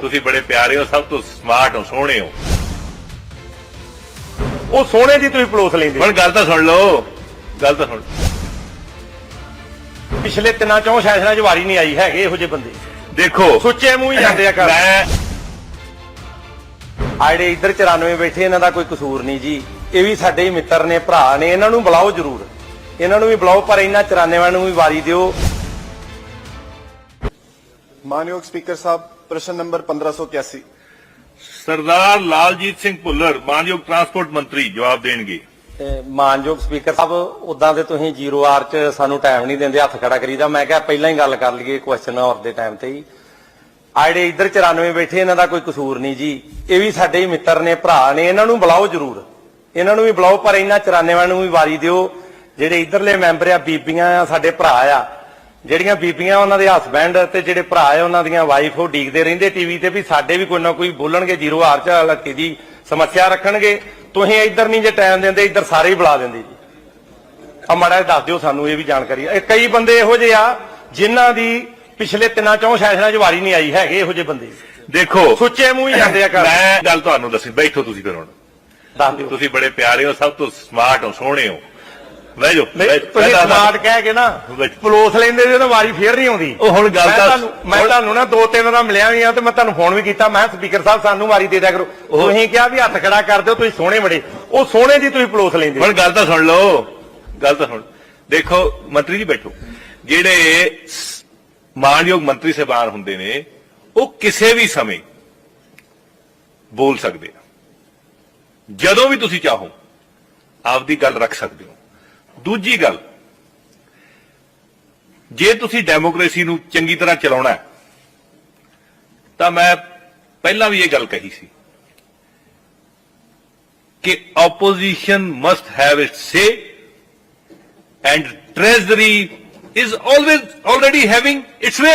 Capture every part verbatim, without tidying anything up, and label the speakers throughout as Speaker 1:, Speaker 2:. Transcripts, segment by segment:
Speaker 1: ਤੁਸੀਂ ਬੜੇ ਪਿਆਰੇ ਹੋ, ਸਭ ਤੋਂ ਸਮਾਰਟ ਹੋ, ਸੋਹਣੇ ਹੋ।
Speaker 2: ਉਹ ਸੋਹਣੇ ਦੀ ਤੁਸੀਂ ਪਲੋਸ ਲੈਂਦੇ।
Speaker 1: ਹੁਣ ਗੱਲ ਤਾਂ ਸੁਣ ਲਓ, ਗੱਲ ਤਾਂ ਸੁਣ।
Speaker 2: ਪਿਛਲੇ ਤਿੰਨਾਂ ਚੋਂ ਸੈਸ਼ਨਾਂ 'ਚ ਵਾਰੀ ਨਹੀਂ ਆਈ, ਹੈਗੇ ਇਹੋ ਜਿਹੇ ਬੰਦੇ।
Speaker 1: ਦੇਖੋ
Speaker 2: ਸੁੱਚੇ ਮੂੰਹ ਹੀ ਜਾਂਦੇ ਆ ਘਰ।
Speaker 1: ਮੈਂ
Speaker 2: ਆੜੇ ਇੱਧਰ ਚੁਰਾਨਵੇਂ ਬੈਠੇ, ਇਹਨਾਂ ਦਾ ਕੋਈ ਕਸੂਰ ਨਹੀਂ ਜੀ। ਇਹ ਵੀ ਸਾਡੇ ਹੀ ਮਿੱਤਰ ਨੇ, ਭਰਾ ਨੇ, ਇਹਨਾਂ ਨੂੰ ਬੁਲਾਓ ਜ਼ਰੂਰ, ਇਹਨਾਂ ਨੂੰ ਵੀ ਬੁਲਾਓ, ਪਰ ਇਹਨਾਂ ਚੁਰਾਨਵੇਂ ਨੂੰ ਵੀ ਵਾਰੀ ਦਿਓ।
Speaker 3: मानयोग स्पीकर साहब, प्रश्न नंबर पंद्रह सौ इक्यासी।
Speaker 1: ਸਰਦਾਰ ਲਾਲਜੀਤ ਸਿੰਘ ਭੁੱਲਰ ਮਾਨਯੋਗ ਟਰਾਂਸਪੋਰਟ ਮੰਤਰੀ ਜਵਾਬ ਦੇਣਗੇ।
Speaker 2: ਮਾਨਯੋਗ ਸਪੀਕਰ ਸਾਹਿਬ, ਉਦਾਂ ਤੇ ਤੁਸੀਂ ਜ਼ੀਰੋ ਆਰ 'ਚ ਸਾਨੂੰ ਟਾਈਮ ਨਹੀਂ ਦਿੰਦੇ, ਹੱਥ ਖੜਾ ਕਰੀਦਾ। ਮੈਂ ਕਿਹਾ ਪਹਿਲਾਂ ਹੀ ਗੱਲ ਕਰ ਲਈਏ ਕੁਐਸਚਨ ਆਵਰ ਦੇ ਟਾਈਮ ਤੇ ਹੀ। ਆੜੇ ਇੱਧਰ ਚੁਰਾਨਵੇਂ ਬੈਠੇ, ਇਹਨਾਂ ਦਾ ਕੋਈ ਕਸੂਰ ਨਹੀਂ ਜੀ। ਇਹ ਵੀ ਸਾਡੇ ਹੀ ਮਿੱਤਰ ਨੇ, ਭਰਾ ਨੇ, ਇਹਨਾਂ ਨੂੰ ਬੁਲਾਓ ਜ਼ਰੂਰ, ਇਹਨਾਂ ਨੂੰ ਵੀ ਬੁਲਾਓ, ਪਰ ਇਹਨਾਂ ਚੁਰਾਨਵੇਂ ਨੂੰ ਵੀ ਵਾਰੀ ਦਿਓ। ਜਿਹੜੇ ਇੱਧਰਲੇ ਮੈਂਬਰ ਆ, ਬੀਬੀਆਂ ਆ, ਸਾਡੇ ਭਰਾ ਆ, ਜਿਹੜੀਆਂ ਬੀਬੀਆਂ ਉਹਨਾਂ ਦੇ ਹਸਬੈਂਡ ਤੇ ਜਿਹੜੇ ਭਰਾ ਆ ਉਹਨਾਂ ਦੀਆਂ ਵਾਈਫ, ਉਹ ਡੀਕਦੇ ਰਹਿੰਦੇ ਟੀਵੀ ਤੇ ਵੀ ਸਾਡੇ ਵੀ ਕੋਈ ਨਾ ਕੋਈ ਬੋਲਣਗੇ, ਜ਼ੀਰੋ ਆਰ 'ਚ ਹਲਕੇ ਦੀ ਸਮੱਸਿਆ ਰੱਖਣਗੇ। ਤੁਸੀਂ ਇੱਧਰ ਨਹੀਂ ਜੇ ਟਾਈਮ ਦਿੰਦੇ, ਇੱਧਰ ਸਾਰੇ ਹੀ ਬੁਲਾ ਦਿੰਦੇ ਜੀ। ਆ ਮਾੜਾ ਜਿਹਾ ਦੱਸ ਦਿਓ ਸਾਨੂੰ ਇਹ ਵੀ ਜਾਣਕਾਰੀ। ਇਹ ਕਈ ਬੰਦੇ ਇਹੋ ਜਿਹੇ ਆ ਜਿਨ੍ਹਾਂ ਦੀ ਪਿਛਲੇ ਤਿੰਨਾਂ ਚੋਂ ਸੈਸ਼ਨਾਂ 'ਚ ਵਾਰੀ ਨਹੀਂ ਆਈ, ਹੈਗੇ ਇਹੋ ਜਿਹੇ ਬੰਦੇ।
Speaker 1: ਦੇਖੋ
Speaker 2: ਸੁੱਚੇ ਮੂੰਹ ਹੀ ਜਾਂਦੇ ਆ ਘਰ।
Speaker 1: ਮੈਂ ਗੱਲ ਤੁਹਾਨੂੰ ਦੱਸੀ, ਬੈਠੋ ਤੁਸੀਂ ਫਿਰ। ਹੁਣ
Speaker 2: ਦੱਸ ਦਿਓ।
Speaker 1: ਤੁਸੀਂ ਬੜੇ ਪਿਆਰੇ ਹੋ, ਸਭ ਤੋਂ ਸਮਾਰਟ ਹੋ, ਸੋਹਣੇ ਹੋ। ਬਹਿ ਜਾਓ।
Speaker 2: ਤੁਸੀਂ ਸਮਾਰਟ ਕਹਿ ਕੇ ਨਾ ਪਲੋਸ ਲੈਂਦੇ ਜੇ ਤਾਂ ਵਾਰੀ ਫੇਰ ਨਹੀਂ ਆਉਂਦੀ।
Speaker 1: ਉਹ ਹੁਣ ਗੱਲ ਤਾਂ
Speaker 2: ਮੈਂ ਤੁਹਾਨੂੰ ਨਾ ਦੋ ਤਿੰਨ ਵਾਰ ਮਿਲਿਆ ਵੀ ਆ ਤੇ ਮੈਂ ਤੁਹਾਨੂੰ ਫੋਨ ਵੀ ਕੀਤਾ। ਮੈਂ ਸਪੀਕਰ ਸਾਹਿਬ ਸਾਨੂੰ ਵਾਰੀ ਦੇ ਦਿਆ ਕਰੋ। ਤੁਸੀਂ ਕਿਹਾ ਵੀ ਹੱਥ ਖੜਾ ਕਰ ਦਿਓ, ਤੁਸੀਂ ਸੋਹਣੇ ਬੜੇ। ਉਹ ਸੋਹਣੇ ਦੀ ਤੁਸੀਂ ਪਲੋਸ ਲੈਂਦੇ।
Speaker 1: ਹੁਣ ਗੱਲ ਤਾਂ ਸੁਣ ਲਓ, ਗੱਲ ਤਾਂ ਸੁਣ। ਦੇਖੋ ਮੰਤਰੀ ਜੀ ਬੈਠੋ। ਜਿਹੜੇ ਮਾਨਯੋਗ ਮੰਤਰੀ ਸਾਹਿਬਾਨ ਹੁੰਦੇ ਨੇ, ਉਹ ਕਿਸੇ ਵੀ ਸਮੇਂ ਬੋਲ ਸਕਦੇ ਆ। ਜਦੋਂ ਵੀ ਤੁਸੀਂ ਚਾਹੋ ਆਪਦੀ ਗੱਲ ਰੱਖ ਸਕਦੇ ਹੋ। ਦੂਜੀ ਗੱਲ, ਜੇ ਤੁਸੀਂ ਡੈਮੋਕ੍ਰੇਸੀ ਨੂੰ ਚੰਗੀ ਤਰ੍ਹਾਂ ਚਲਾਉਣਾ ਤਾਂ ਮੈਂ ਪਹਿਲਾਂ ਵੀ ਇਹ ਗੱਲ ਕਹੀ ਸੀ ਕਿ opposition must have its say and treasury is always already having its way.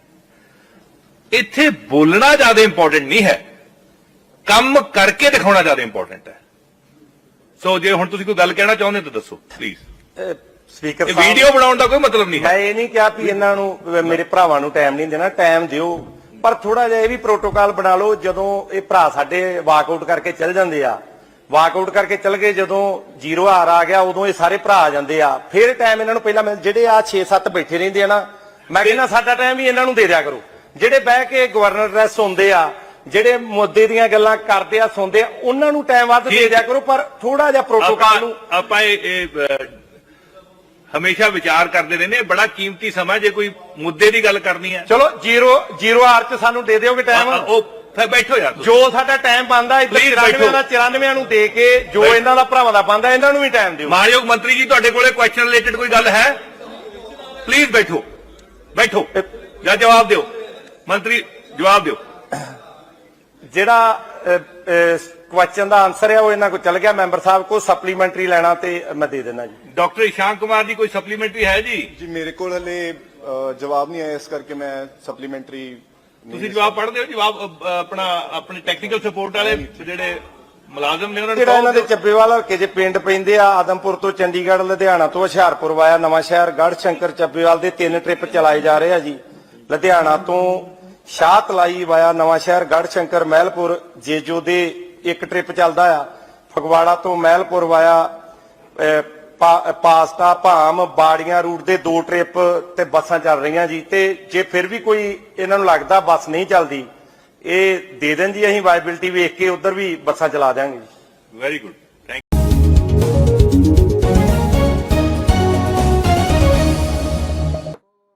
Speaker 1: ਇੱਥੇ ਬੋਲਣਾ ਜ਼ਿਆਦਾ ਇੰਪੋਰਟੈਂਟ ਨਹੀਂ ਹੈ, ਕੰਮ ਕਰਕੇ ਦਿਖਾਉਣਾ ਜ਼ਿਆਦਾ ਇੰਪੋਰਟੈਂਟ ਹੈ। ਸੋ ਜੇ ਹੁਣ ਤੁਸੀਂ ਕੋਈ ਗੱਲ ਕਹਿਣਾ ਚਾਹੁੰਦੇ ਤਾਂ ਦੱਸੋ ਪਲੀਜ਼।
Speaker 2: ਸਪੀਕਰ
Speaker 1: ਸਾਹਿਬ, ਵੀਡੀਓ ਬਣਾਉਣ ਦਾ ਕੋਈ ਮਤਲਬ ਨਹੀਂ ਹੈ।
Speaker 2: ਮੈਂ ਇਹ ਨਹੀਂ ਕਿਹਾ ਵੀ ਇਹਨਾਂ ਨੂੰ, ਮੇਰੇ ਭਰਾਵਾਂ ਨੂੰ ਟਾਈਮ ਨਹੀਂ ਦੇਣਾ, ਟਾਈਮ ਦਿਓ, ਪਰ ਥੋੜਾ ਜਿਹਾ ਇਹ ਵੀ ਪ੍ਰੋਟੋਕਾਲ ਬਣਾ ਲਓ। ਜਦੋਂ ਇਹ ਭਰਾ ਸਾਡੇ ਵਾਕਆਊਟ ਕਰਕੇ ਚੱਲ ਜਾਂਦੇ ਆ, ਵਾਕਆਊਟ ਕਰਕੇ ਚੱਲ ਗਏ, ਜਦੋਂ ਜ਼ੀਰੋ ਆਰ ਆ ਗਿਆ ਉਦੋਂ ਇਹ ਸਾਰੇ ਭਰਾ ਆ ਜਾਂਦੇ ਆ, ਫਿਰ ਟਾਈਮ ਇਹਨਾਂ ਨੂੰ ਪਹਿਲਾਂ ਮਿਲ। ਜਿਹੜੇ ਆ ਛੇ ਸੱਤ ਬੈਠੇ ਰਹਿੰਦੇ ਆ ਨਾ, ਮੈਂ ਕਹਿੰਦਾ ਸਾਡਾ ਟਾਈਮ ਵੀ ਇਹਨਾਂ ਨੂੰ ਦੇ ਦਿਆ ਕਰੋ। ਜਿਹੜੇ ਬਹਿ ਕੇ ਗਵਰਨਰ ਰੈਸ ਸੁਣਦੇ ਆ, ਜਿਹੜੇ ਮੁੱਦੇ ਦੀਆਂ ਗੱਲਾਂ ਕਰਦੇ ਆ, ਸੁਣਦੇ ਆ, ਉਹਨਾਂ ਨੂੰ ਟਾਈਮ ਵੱਧ ਦੇ ਦਿਆ ਕਰੋ, ਪਰ ਥੋੜਾ ਜਿਹਾ ਪ੍ਰੋਟੋਕਾਲ ਨੂੰ।
Speaker 1: ਆਪਾਂ ਇਹ ਹਮੇਸ਼ਾ ਵਿਚਾਰ ਕਰਦੇ ਰਹਿੰਦੇ, ਬੜਾ ਕੀਮਤੀ ਸਮਾਂ, ਜੇ ਕੋਈ ਮੁੱਦੇ ਦੀ ਗੱਲ ਕਰਨੀ ਹੈ।
Speaker 2: ਚਲੋ ਜ਼ੀਰੋ ਜ਼ੀਰੋ ਆਰ 'ਚ ਸਾਨੂੰ ਦੇ ਦਿਓਗੇ ਟਾਈਮ।
Speaker 1: ਉਹ ਫਿਰ ਬੈਠੋ ਯਾਰ,
Speaker 2: ਜੋ ਸਾਡਾ ਟਾਈਮ ਬਣਦਾ ਚੁਰਾਨਵੇਂ ਦਾ ਚੁਰਾਨਵੇਂ ਨੂੰ ਦੇ ਕੇ, ਜੋ ਇਹਨਾਂ ਦਾ ਭਰਾਵਾਂ ਦਾ ਬਣਦਾ ਇਹਨਾਂ ਨੂੰ ਵੀ ਟਾਈਮ ਦਿਓ।
Speaker 1: ਮਾਨਯੋਗ ਮੰਤਰੀ ਜੀ, ਤੁਹਾਡੇ ਕੋਲੇ ਕੁਐਸਚਨ ਰਿਲੇਟਡ ਕੋਈ ਗੱਲ ਹੈ? ਪਲੀਜ਼ ਬੈਠੋ, ਬੈਠੋ ਜਾਂ ਜਵਾਬ ਦਿਓ। ਮੰਤਰੀ ਜਵਾਬ ਦਿਓ।
Speaker 2: ਜਿਹੜਾ ਕੁਐਸਚਨ ਦਾ ਆਨਸਰ ਹੈ ਉਹ ਇਹਨਾਂ ਕੋਲ ਚੱਲ ਗਿਆ, ਮੈਂਬਰ ਸਾਹਿਬ ਕੋਲ। ਸਪਲੀਮੈਂਟਰੀ ਲੈਣਾ ਤੇ ਮੈਂ ਦੇ ਦੇਣਾ ਜੀ।
Speaker 1: ਡਾਕਟਰ ਇਸ਼ਾਂਕ ਕੁਮਾਰ ਜੀ, ਕੋਈ ਸਪਲੀਮੈਂਟਰੀ ਹੈ ਜੀ?
Speaker 3: जी मेरे को हले जवाब नहीं आया, इस करके मैं सप्लीमेंट्री।
Speaker 1: ਤੁਸੀਂ ਜਵਾਬ ਪੜ੍ਹਦੇ ਹੋ? ਜਵਾਬ ਅ, ਆਪਣਾ ਆਪਣੇ ਟੈਕਨੀਕਲ ਸਪੋਰਟ ਵਾਲੇ ਜਿਹੜੇ ਮੁਲਾਜ਼ਮ ਨੇ ਉਹਨਾਂ ਨੂੰ
Speaker 2: ਜਿਹੜਾ ਇਹਨਾਂ ਦੇ ਚੱਬੇਵਾਲ ਹਲਕੇ ਦੇ ਪਿੰਡ ਪੈਂਦੇ ਆ, ਆਦਮਪੁਰ ਤੋਂ ਚੰਡੀਗੜ੍ਹ, ਲੁਧਿਆਣਾ ਤੋਂ ਹੁਸ਼ਿਆਰਪੁਰ ਵਾਇਆ ਨਵਾਂ ਸ਼ਹਿਰ, ਗੜ੍ਹ ਸ਼ੰਕਰ, ਚੱਬੇਵਾਲ ਦੇ ਤਿੰਨ ਟ੍ਰਿਪ ਚਲਾਏ ਜਾ ਰਹੇ ਆ ਜੀ। ਲੁਧਿਆਣਾ ਤੋਂ ਸ਼ਾਹਤਲਾਈ ਵਾਇਆ ਨਵਾਂ ਸ਼ਹਿਰ, ਗੜ੍ਹ ਸ਼ੰਕਰ, ਮਹਿਲਪੁਰ, ਜੇਜੋ ਦੇ ਇੱਕ ਟ੍ਰਿਪ ਚੱਲਦਾ ਆ। ਫਗਵਾੜਾ ਤੋਂ ਮਹਿਲਪੁਰ ਵਾਇਆ ਪਾਸਤਾ, ਭਾਮ, ਬਾੜੀਆਂ ਰੂਟ ਦੇ ਦੋ ਟ੍ਰਿਪ ਤੇ ਬੱਸਾਂ ਚੱਲ ਰਹੀਆਂ ਜੀ। ਤੇ ਜੇ ਫਿਰ ਵੀ ਕੋਈ ਇਹਨਾਂ ਨੂੰ ਲੱਗਦਾ ਬੱਸ ਨਹੀਂ ਚੱਲਦੀ, ਇਹ ਦੇ ਦੇਣ ਜੀ, ਅਸੀਂ ਵਾਇਬਿਲਿਟੀ ਵੇਖ ਕੇ ਉਧਰ ਵੀ ਬੱਸਾਂ ਚਲਾ ਦਿਆਂਗੇ ਜੀ।
Speaker 1: Very good.